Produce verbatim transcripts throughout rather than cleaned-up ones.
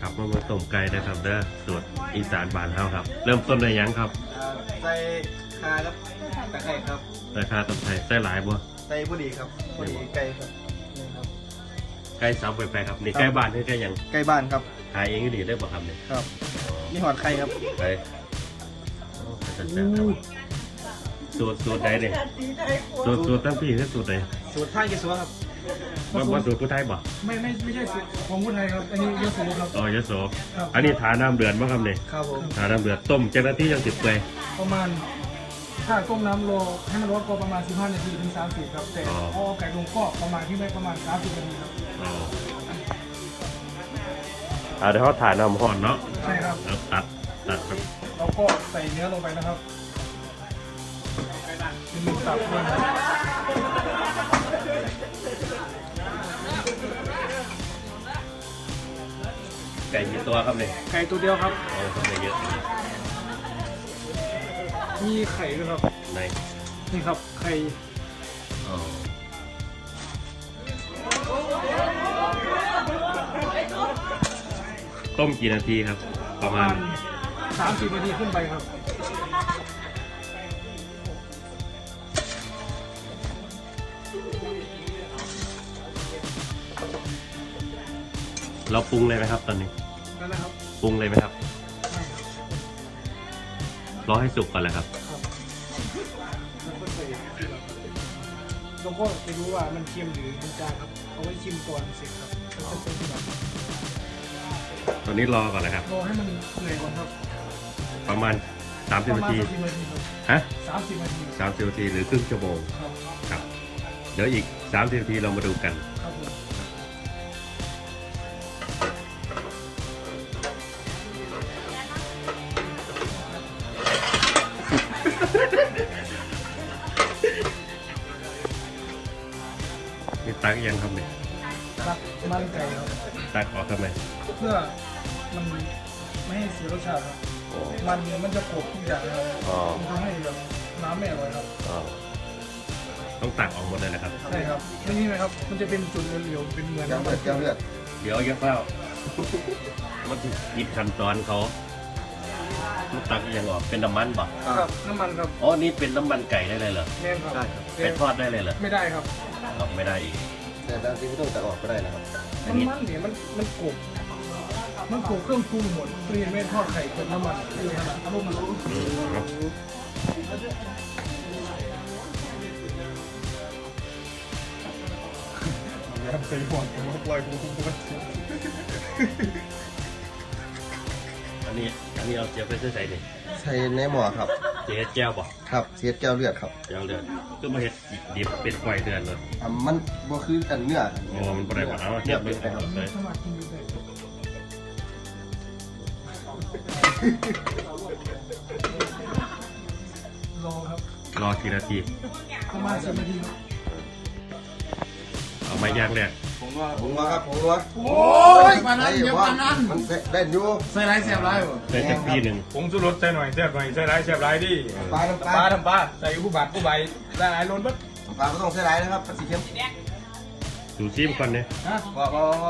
ครับมามาต้มไก่นะครับเด้อสูตรอีสานบ้านเฮาครับ เริ่มต้นด้วยหยังครับใส่คาครับตะไคร้ครับใส่ข้าวต้มไทยใส่หลายบ่ใส่บุหรี่ครับบุหรี่ไก่ครับนี่ครับไก่สับไปไปครับนี่ไก่บ้านนี่ไก่หยังไก่บ้านครับขายเองก็ดีได้บ่ครับเนี่ยครับมีหอดไข่ครับไปโอ้เป็นจังซั่นครับสูตรสูตรใดเนี่ยสูตรสูตรตั้งพี่คือสูตรไหนสูตรท่าเยซัวครับว่าว่าสูตรผู้ไทยบ่ไม่ไม่ไม่ใช่ของคนไทยครับอันนี้ยโสครับอ๋อยโสครับอันนี้ทาน้ำเดือดบ่ครับเนี่ยครับผมทาน้ำเดือดต้มเจ้าหน้าที่ยังติดเปื่อยประมาณถ้าต้มน้ำโลให้มันร้อนก็ประมาณสิบห้านาทีถึงสามสิบครับแต่อ๋อเอาไก่ลงก็ประมาณที่ได้ประมาณสามสิบนาทีครับอ๋ออ่าเดี๋ยวเขาถ่ายน้ำห่อนเนาะใช่ครับแล้วตัดตัดครับเราก็ใส่เนื้อลงไปนะครับเป็นหมูสับด้วยครับไก่กี่ตัวครับเนี่ยไก่ตัวเดียวครับโอ้ทำไมเยอะจังเลยมีไข่ด้วยครับในนี่ครับไข่อ๋อต้มกี่นาทีครับ ปประ ระมามาณณสามสิบนาทีขึ้นไปครับเราปรุงเลยไหมครับ ตอนนี้นั่นนะครับปรุงเลยไหมครับไม่ครับรอให้สุกก่อนเลยครับครับแล้วก็ใส่เราก็จะรู้ว่ามันเค็มหรือมันจางครับเอาไว้ชิมก่อนเสร็จครับแล้วจะเป็นที่แบบตอนนี้รอก่อนเลยครับรอให้มันเหนื่อยก่อนครับประมาณสามสิบประนามาณทีสามสิบนาทีครับฮะสามสิบนาทีสามสิบนาทีหรือครึ่งชั่วโมงครับครับ เดี๋ยวอีกสามสิบนาทีเรามาดูกันครับผมนี่ตักยังครับเนี่ยตักมันไก่ครับตักออกทำไมเพื่อมันไม่ให้เสียรสชาติครับโอ้มันมันจะกรบทุกอย่างครับอ๋อมันทำให้แบบน้ำไม่อร่อยครับอ๋อต้องตักออกหมดเลยนะครับใช่ครับไม่นี่นะครับ มันจะเป็นจุดเหลวๆเป็นเหมือนแก้วเลือดแก้วเลือดเดี๋ยวเยอะเปล่ามันยิบขั้นตอนเขามันตักยังออกเป็นน้ำมันบ่ครับน้ำมันครับอ๋อนี่เป็นน้ำมันไก่ได้เลยเหรอแน่นครับไปทอดได้เลยเหรอไม่ได้ครับออกไม่ได้อีกแต่บางทีไม่ต้องตัดออกก็ได้นะครับอัมัน นนี้มันเนี่ยมันมันกรบมันกรบเครื่องปรุงหมดคือเห็นไหมทอดไข่กับน้ำมันคือขนาดอารมณ์มันอืมเนอะแล้วใส่หมอนผมปล่อยผมผมอันนี้อันนี้เอาเจียวไปใส่ดิใส่ในหม้อครับเจียวแก้วบ่ครับเสียดแก้วเลือดครับแก้วเดือดก็มาเห็ดดิบเป็นไฟเดือดเลยอ่ะมันบ่คือกันเนื้อโอ้มันบ่ได้บ่เอาเทียบเลยไปครับเลยสมัครกินดูได้รอครับรอกี่นาทีประมาณสิบนาทีครับเอาไม้ย่างแรกผมว่าผมว่าครับผมว่าโอ้ยปานั้นเดี๋ยวปานั้นมันได้อยู่ใส่ไรเสียบไรบ่ได้จากปีหนึ่งผงชูรสใส่หน่อยแซ่บหน่อยใส่ร้ายแซ่บร้ายดิปลาน้ำปปลาลาทำปลาใส่ผู้บาดผู้ใบใส่หลายล้นบัดปลาก็ต้องใส่หลายนะครับปลาสีเค็มดูซิมก่อนเนี่ยฮะว่าว่าว่า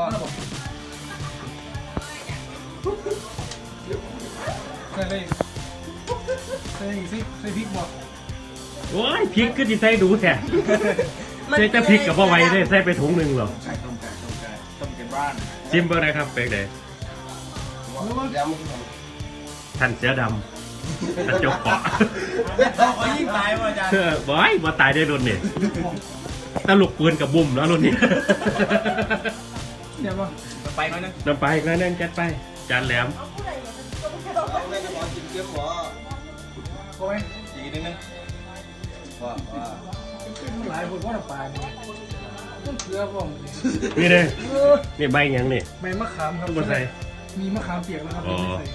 ใส่อะไรใส่อีกสิใส่พริกบ่โอ้ยพริกก็จิใส่ดูแท้ใส่แต่พริกกับพ่อไว้ได้ใส่ไปถุงหนึ่งหรอใส่ต้มไก่ต้มไก่ต้มไก่บ้านซิมเบอร์นะครับเป็กเดยเดี๋ยวมันท่านเสือดำกระจกเกาะเขายิ่งตายว่ะอาจารย์เออบอยมาตายได้รุ่นนี่ตลกปืนกับบุ่มแล้วรุ่นนี้เดี๋ยวบ่ไปหน่อยนึงนำไปอีกแล้วนั่นจัดไป จานแหลมไม่ได้บอกกินเค็มหรอโอ้ยอีกนิดนึงว่าว่าหลายคนว่าปลาเนี่ยต้องเกลือบ่มนี่เลยนี่ใบหยังนี่ใบมะขามครับต้องมาใส่มีมะขามเปียกนะครับอ๋อไม่ใส่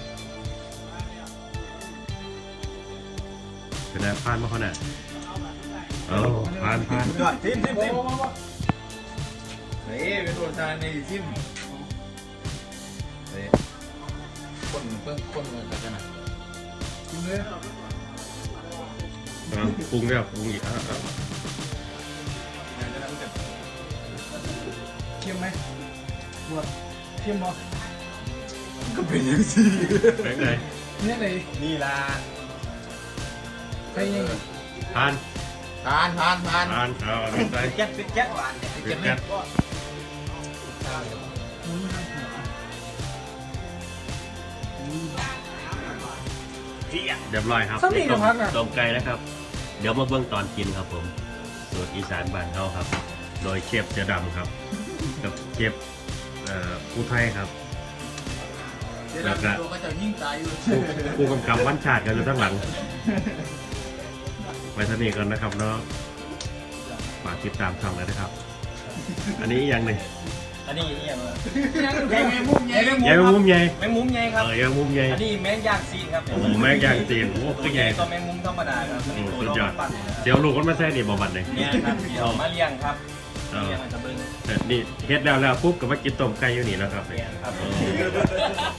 เป็นไงผ่านมาเขาน่ะเออผ่านผ่านยอดซิมซิมโอ้ซิมโหเฮ้ยเป็นตัวจานในซิมเฮ้ยคนเพิ่งคนเลยกันนะกินเลยเอาปรุงแล้วปรุงอีกอ่ะอ่ะเค็มไหมบวชเค็มบ่เก็เป็นยังสิเป็นไงเนี่ยเลยนี่ล่ะใครยังทานทานทานทานทานเอาเอาไปแก๊สเป็นแก๊สหวานเก็บแก๊สมึงทำหัวเรียบร้อยครับสมีกับพักอ่ะต้มไก่นะครับ เดี๋ยวมาเบื้องตอนกินครับผมสูตรอีสานบ้านเขาครับ โดยเชฟเสือดำครับ กับเชฟเอ่อผู้ไทยครับเดี๋ยวเราตัวก็จะยิ่งตายอยู่ผู้ผู้กำกับวันชาติกันอยู่ข้างหลังไปทนีก่อนนะครับเนาะฝากติดตามช่องเลยนะครับ อันนี้อีกอย่างหนึ่งอันนี้อีหยังวะยังแมงมุมใหญ่ยายแมงมุมใหญ่แมงมุมใหญ่ครับเออยายแมงมุมใหญ่อันนี้แมงย่างซีนครับโอ้โหแม่งย่างจีนโอ้โหคือใหญ่ตัวแมงมุมธรรมดาครับอืมสุดยอดปั่นเดี๋ยวลูกคนมาแซ่ดิบอบันเลยเนี่ยครับเดี๋ยวมาเลี้ยงครับเออเลี้ยงมันจะเบิ้งแต่นี่เฮ็ดแล้วแล้วปุ๊บก็มากินต้มไก่อยู่นี่แล้วครับเนี่ยครับเออ